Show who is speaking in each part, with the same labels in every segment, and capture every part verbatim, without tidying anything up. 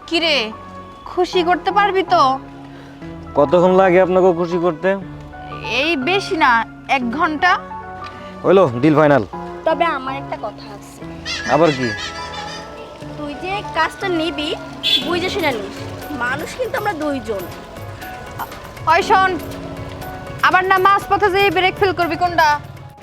Speaker 1: কিরে খুশি করতে পারবি তো?
Speaker 2: কতক্ষণ লাগে আপনাকে খুশি করতে?
Speaker 1: এই বেশি না, এক ঘন্টা।
Speaker 2: হইলো, ডিল ফাইনাল।
Speaker 3: তবে আমার একটা কথা আছে,
Speaker 2: আবার কি?
Speaker 3: তুই যে কাজটা নিবি বুঝে শুনে নিস, মানুষ কিন্তু আমরা দুইজন।
Speaker 1: ওই শোন, আবার না মাছ পথে যে ব্রেক ফেল করবি কোনটা?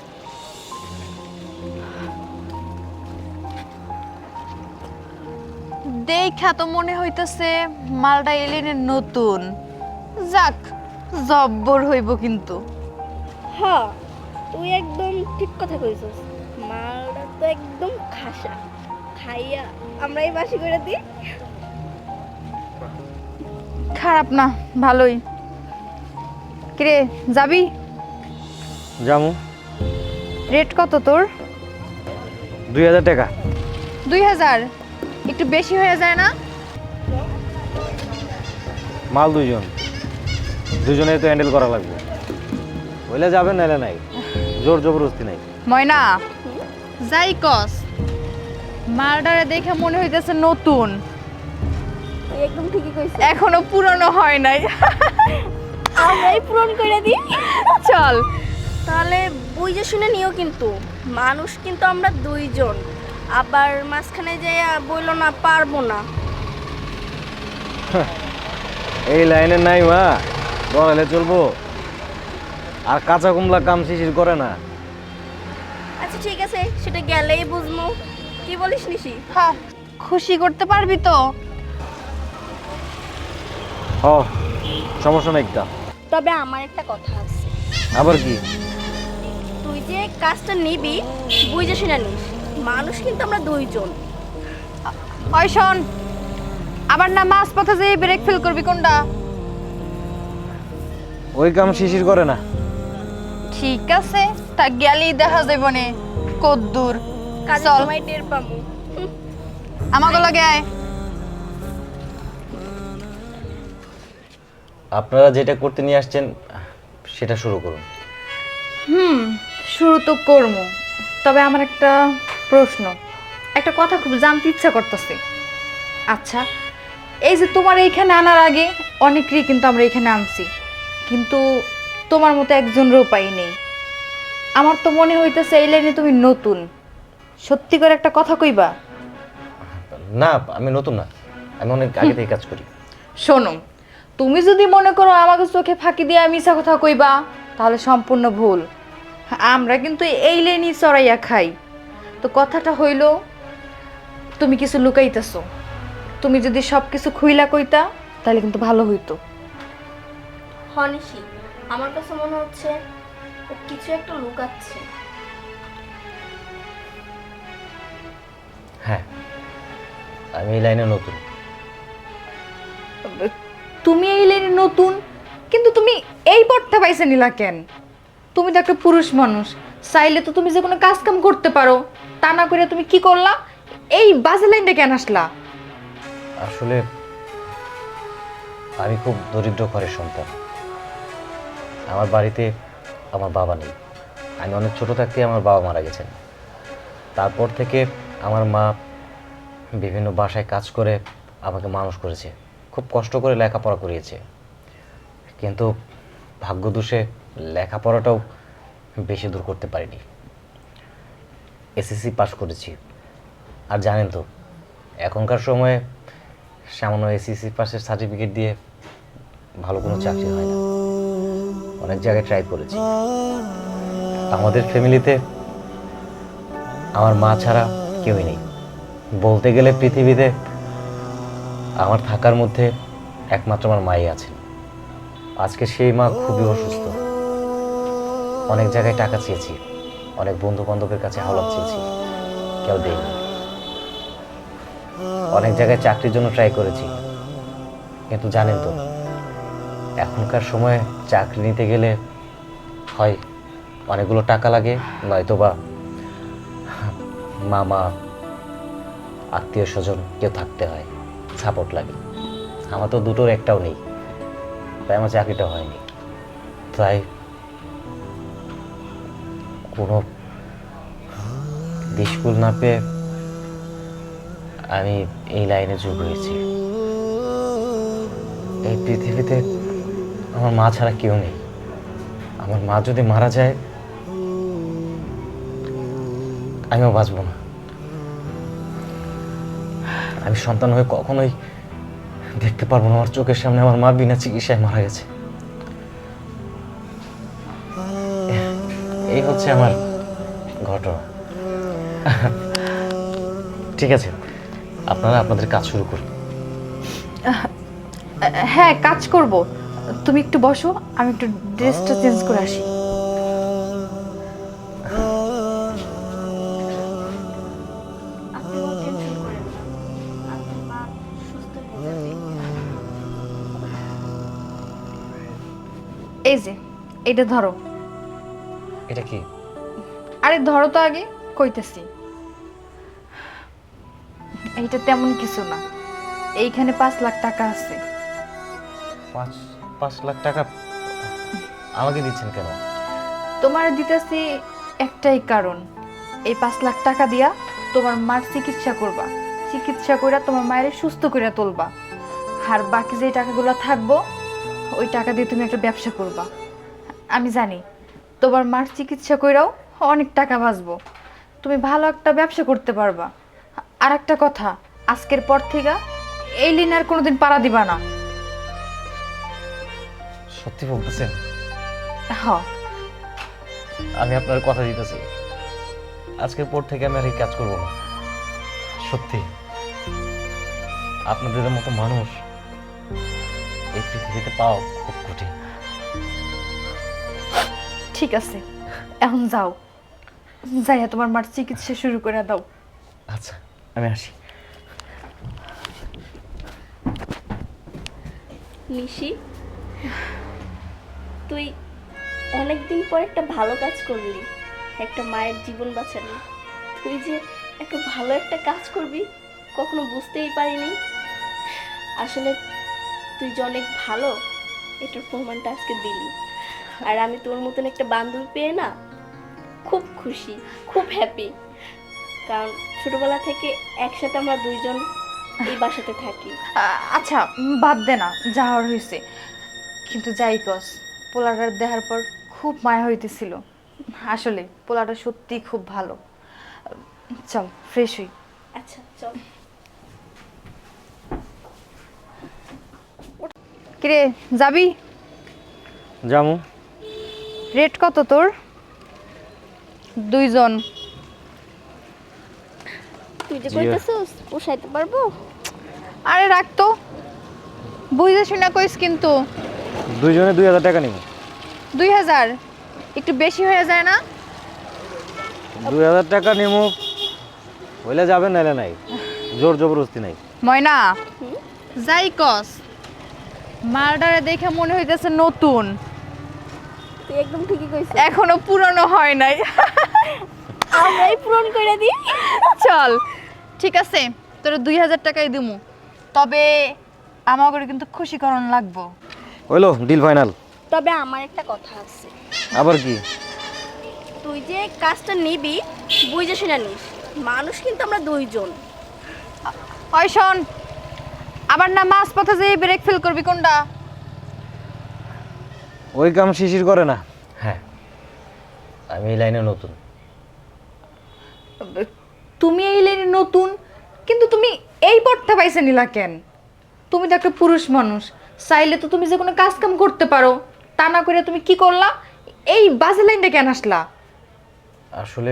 Speaker 1: দেখা তো মনে হইতেছে মালটা এলেনের নতুন। যাক, জব্বর হইব কিন্তু।
Speaker 3: হ্যাঁ, তুই একদম ঠিক কথা কইছস, মালটা তো একদম খাসা। খাইয়া আমরাই বাসি করে দিই।
Speaker 1: খারাপ না, ভালোই। কিরে যাবি?
Speaker 2: জামু।
Speaker 1: রেট কত তোর?
Speaker 2: দুই হাজার টাকা।
Speaker 1: দুই হাজার একটু বেশি হয়ে যায় না?
Speaker 2: মাল দুইজন, দুজনে তো হ্যান্ডেল করা লাগবে। হইলে যাবেন, নাইলে নাই, জোর জবরদস্তি নাই।
Speaker 1: ময়না, যাই কস, মালটারে দেখে মনে হইতেছে নতুন,
Speaker 3: তুই একদম ঠিকই কইছিস,
Speaker 1: এখনো পুরনো হয় নাই।
Speaker 3: আমরাই পূরণ করে দিই।
Speaker 1: চল
Speaker 3: তাহলে বুঝে শুনে নিও, কিন্তু মানুষ কিন্তু আমরা দুইজন। আবার মাঝখানে যে বইল না পারবো না।
Speaker 2: এই লাইনে নাই মা, বড়ালে চলবো। আর কাঁচা কুমলা কাম শিশির করে না।
Speaker 3: আচ্ছা ঠিক আছে, সেটা গেলেই বুঝবো। কি বলিস নিশি?
Speaker 1: হ্যাঁ, খুশি করতে পারবি তো?
Speaker 2: হ, সমস্যা নাই একটা।
Speaker 3: তবে আমার একটা কথা আছে,
Speaker 2: আবার কি?
Speaker 3: তুই যে কাজটা নিবি বুঝে শুনে নিস, মানুষ কিন্তু আমরা দুইজন।
Speaker 1: ওই শোন, আবার না মাছ পথে যে ব্রেক ফেল করবি কোনটা?
Speaker 2: ওই কাম শিশির করে না।
Speaker 1: ঠিক আছে, তা গেলেই দেখা যাবে নে কদ্দুর।
Speaker 3: কাজে
Speaker 1: চল
Speaker 3: সময় টের পাবো। হুম,
Speaker 1: আমাকে লগে আয়।
Speaker 2: আপনারা যেটা করতে নিয়ে আসছেন সেটা শুরু করুন।
Speaker 1: হুম, শুরু তো করবো, তবে আমার একটা প্রশ্ন, একটা কথা খুব জানতে ইচ্ছা করতেছে। আচ্ছা, এই যে তোমার এইখানে আনার আগে অনেকেরই কিন্তু আমরা এখানে আনছি, কিন্তু তোমার মতো একজনেরও পাই নেই। আমার তো মনে হইতেছে এই লাইনে তুমি নতুন। সত্যি করে একটা কথা কইবা?
Speaker 2: না, আমি নতুন না, আমি অনেক আগে থেকে কাজ করি।
Speaker 1: শোনো, তুমি যদি মনে করো আমাকে চোখে ফাঁকি দিয়ে মিছা কথা কইবা, তাহলে সম্পূর্ণ ভুল। আমরা কিন্তু এই লাইনই চড়াইয়া খাই। তো কথাটা হইল, তুমি কিছু লুকাইতেছো। তুমি যদি সব কিছু খুইলা কইতা তাহলে কিন্তু ভালো হইতো।
Speaker 3: হনিশি, আমার কাছে মনে হচ্ছে ও কিছু একটা লুকাচ্ছে।
Speaker 2: হ্যাঁ, আমি এই লাইনে নতুন।
Speaker 1: তুমি এই লাইনে নতুন, কিন্তু তুমি এই পথটা পাইছে নিলা কেন? তুমি তো একটা পুরুষ মানুষ, চাইলে তো তুমি যে কোনো কাজ কাম করতে পারো। তা না করে তুমি কি করলা? এই বাজে লাইনটা কেন আসলা?
Speaker 2: আসলে আমি খুব দরিদ্র ঘরের সন্তান। আমার বাড়িতে আমার বাবা নেই। আমি অনেক ছোট থাকতে আমার বাবা মারা গেছেন। তারপর থেকে আমার মা বিভিন্ন বাসায় কাজ করে আমাকে মানুষ করেছে, খুব কষ্ট করে লেখাপড়া করিয়েছে। কিন্তু ভাগ্যদোষে লেখাপড়াটাও বেশি দূর করতে পারিনি। এসএসসি পাস করেছি। আর জানেন তো, এখনকার সময়ে সামান্য এসএসসি পাসের সার্টিফিকেট দিয়ে ভালো কোনো চাকরি হয় না। অনেক জায়গায় ট্রাই করেছি। আমাদের ফ্যামিলিতে আমার মা ছাড়া কেউই নেই। বলতে গেলে পৃথিবীতে আমার থাকার মধ্যে একমাত্র আমার মাই আছেন। আজকে সেই মা খুবই অসুস্থ। অনেক জায়গায় টাকা চেয়েছি, অনেক বন্ধু বান্ধবের কাছে হাওলাত চেয়েছি, কেউ দেয়নি। অনেক জায়গায় চাকরির জন্য ট্রাই করেছি, কিন্তু জানেন তো এখনকার সময়ে চাকরি নিতে গেলে হয় অনেকগুলো টাকা লাগে, নয়তো বা মামা আত্মীয় স্বজন কেউ থাকতে হয়, সাপোর্ট লাগে। আমার তো দুটোর একটাও নেই, তাই আমার চাকরিটা হয়নি। তাই কোনো স্কুল না পেয়ে আমি এই লাইনে যোগ হয়েছি। এই পৃথিবীতে আমার মা ছাড়া কেউ নেই। আমার মা যদি মারা যায় আমিও বাঁচব না। আমি সন্তান হয়ে কখনোই দেখতে পারবো না আমার চোখের সামনে আমার মা বিনা চিকিৎসায় মারা গেছে। এই হচ্ছে আমার ঘটনা। ঠিক আছে, আপনারা আপনাদের কাজ শুরু করুন।
Speaker 1: হ্যাঁ, কাজ করব। তুমি একটু বসো, আমি একটু ড্রেসটা চেঞ্জ করে আসি। এই যে এটা ধরো।
Speaker 2: এটা কি?
Speaker 1: আরে ধরো তো আগে, কইতেছি। এইটা তেমন কিছু না, এইখানে পাঁচ লাখ টাকা আছে।
Speaker 2: পাঁচ পাঁচ লাখ টাকা আমাকে দিচ্ছেন কেন?
Speaker 1: তোমার দিতেছি একটাই কারণ, এই পাঁচ লাখ টাকা দিয়া তোমার মার চিকিৎসা করবা, চিকিৎসা কইরা তোমার মায়ের সুস্থ কইরা তুলবা। আর বাকি যে টাকাগুলো থাকবো ওই টাকা দিয়ে তুমি একটা ব্যবসা করবা। আমি জানি তোমার মার চিকিৎসা কইরাও অনেক টাকা বাঁচবো, তুমি ভালো একটা ব্যবসা করতে পারবা। আর একটা কথা, আজকের পর থেকে এই লিন আর কোনোদিন পাড়া দিবা না।
Speaker 2: সত্যি বলতেছেন?
Speaker 1: হ্যাঁ,
Speaker 2: আমি আপনার কথা দিতেছি, আজকের পর থেকে আমি আর এই কাজ করব না। সত্যি আপনাদের মতো মানুষ এই পৃথিবীতে পাওয়া খুব কঠিন।
Speaker 1: ঠিক আছে, এখন যাও, যাইয়া তোমার মার চিকিৎসা শুরু করে দাও।
Speaker 2: আচ্ছা, আমি আসি।
Speaker 3: নিশি, তুই অনেকদিন পর একটা ভালো কাজ করলি, একটা মায়ের জীবন বাঁচালি। তুই যে একটা ভালো একটা কাজ করবি কখনো বুঝতেই পারিনি। আসলে তুই যে অনেক ভালো এটার প্রমাণটা আজকে দিলি। আর আমি তোর মতন একটা বান্ধবী পেয়ে না খুব খুশি, খুব হ্যাপি। কারণ ছোটবেলা থেকে একসাথে আমরা দুইজন এই বাসাতে থাকি।
Speaker 1: আ- আচ্ছা, উম, বাদ দে না, যা হওয়ার হয়েছে। কিন্তু যাই কস, পোলাটার দেখার পর খুব মায়া হইতেছিল। আসলে পোলাটা সত্যি খুব ভালো। চল ফ্রেশ হই।
Speaker 3: আচ্ছা চল।
Speaker 1: কিরে, যাবি?
Speaker 2: জামু।
Speaker 1: রেট কত তোর? দুইজন।
Speaker 3: তুই যে
Speaker 2: জি।
Speaker 3: কইতেছস পোষাইতে পারবো?
Speaker 1: আরে রাখতো, বুঝে শুনে কইস কিন্তু।
Speaker 2: দুইজনে দুই হাজার টাকা নিব।
Speaker 1: দুই হাজার একটু বেশি হয়ে যায় না?
Speaker 2: দুই হাজার টাকা নিব, হইলে যাবেন নাইলে নাই, জোর জবরদস্তি নাই।
Speaker 1: ময়না, যাই কস, মালটারে দেখে মনে হইতেছে নতুন,
Speaker 3: তুই একদম ঠিকই কইছিস।
Speaker 1: এখনো পুরনো হয় নাই।
Speaker 3: আমরাই পূরণ করে দিই।
Speaker 1: চল ঠিক আছে, তোর দুই হাজার টাকাই দিমু, তবে আমাকে কিন্তু খুশি করণ লাগবো।
Speaker 2: হইলো, ডিল ফাইনাল।
Speaker 3: তবে আমার একটা কথা আছে,
Speaker 2: আবার কি?
Speaker 3: তুই যে কাজটা নিবি বুঝে শুনে নিস। মানুষ কিন্তু আমরা দুইজন।
Speaker 1: ওই শোন, আবার না মাছ পথে যে ব্রেক ফেল করবি কোনটা?
Speaker 2: ওই কাম শিশির করে না। হ্যাঁ, আমি এই লাইনে নতুন।
Speaker 1: তুমি এই লাইনে নতুন, কিন্তু তুমি এই পথটা পাইছে নিলা কেন? তুমি তো একটা পুরুষ মানুষ, চাইলে তো তুমি যে কোনো কাজ কাম করতে পারো, তা না করে তুমি কি করলা, এই বাজে লাইনটা কেন আসলা?
Speaker 2: আসলে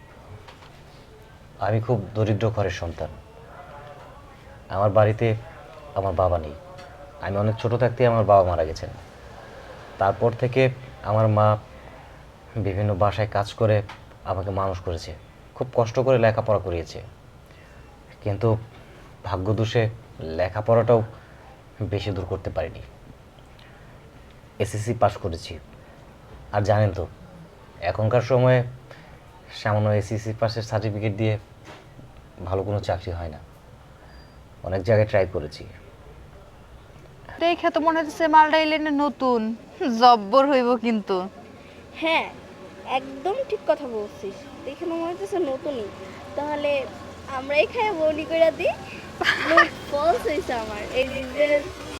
Speaker 2: আমি খুব দরিদ্র ঘরের সন্তান। আমার বাড়িতে আমার বাবা নেই। আমি অনেক ছোট থাকতে আমার বাবা মারা গেছেন। তারপর থেকে আমার মা বিভিন্ন বাসায় কাজ করে আমাকে মানুষ করেছে, খুব কষ্ট করে লেখাপড়া করিয়েছে। কিন্তু ভাগ্যদোষে লেখাপড়াটাও বেশি দূর করতে পারিনি। এসএসসি পাশ করেছি। আর জানেন তো, এখনকার সময়ে সামান্য এসএসসি পাশের সার্টিফিকেট দিয়ে ভালো কোনো চাকরি হয় না। অনেক জায়গায় ট্রাই করেছি।
Speaker 1: দেখে তো মনে হচ্ছে মালটা এই লাইনে নতুন, জব্বর হইব কিন্তু।
Speaker 3: হ্যাঁ একদম ঠিক কথা বলছিস, দেখে মনে হচ্ছে নতুনই। তাহলে আমরা এখানে বলি করে দিই। ফলস হয়েছে আমার এই যে